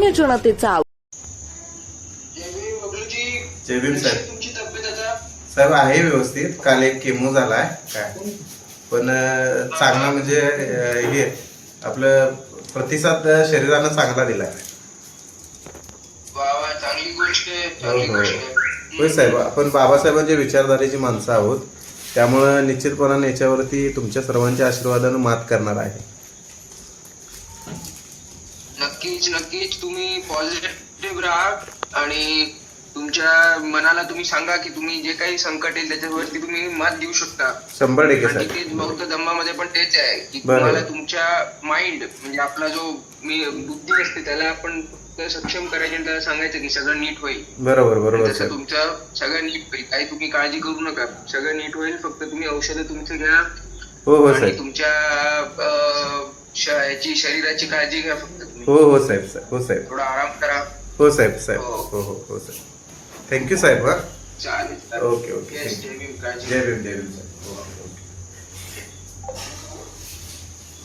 सामान्य जनतेचा जय भीम साहेब. तुमची तब्येत आता साहेब आहे व्यवस्थित. काल एक केमो झालाय काय पण चांगला म्हणजे हे आपलं प्रतिसाद शरीरानं चांगला दिलाय. चांगली गोष्ट आहे. होय साहेब, आपण बाबासाहेबांच्या विचारधारेची माणसं आहोत, त्यामुळं निश्चितपणाने याच्यावरती तुमच्या सर्वांच्या आशीर्वादानं मात करणार आहे. नक्कीच तुम्ही पॉझिटिव्ह राहा आणि तुमच्या मनाला तुम्ही सांगा की तुम्ही जे काही संकट येईल त्याच्यावरती तुम्ही मात देऊ शकता. 100% आणि साहेब. तेच बौद्ध धम्मामध्ये पण तेच आहे की तुम्हाला तुमच्या माइंड म्हणजे आपला जो बुद्धी असते त्याला आपण सक्षम करायचे आणि त्याला सांगायचं की सगळं नीट होईल. बरोबर तसं तुमचं सगळं नीट होईल. काही तुम्ही काळजी करू नका, सगळं नीट होईल. फक्त तुम्ही औषधं तुमचं घ्या आणि तुमच्या याची शरीराची काळजी घ्या फक्त तुम्ही. हो साहेब. थोडा आराम करा. हो साहेब. हो साहेब. थँक्यू साहेब. चालेल. ओके. जय भीम. जय भीम साहेब.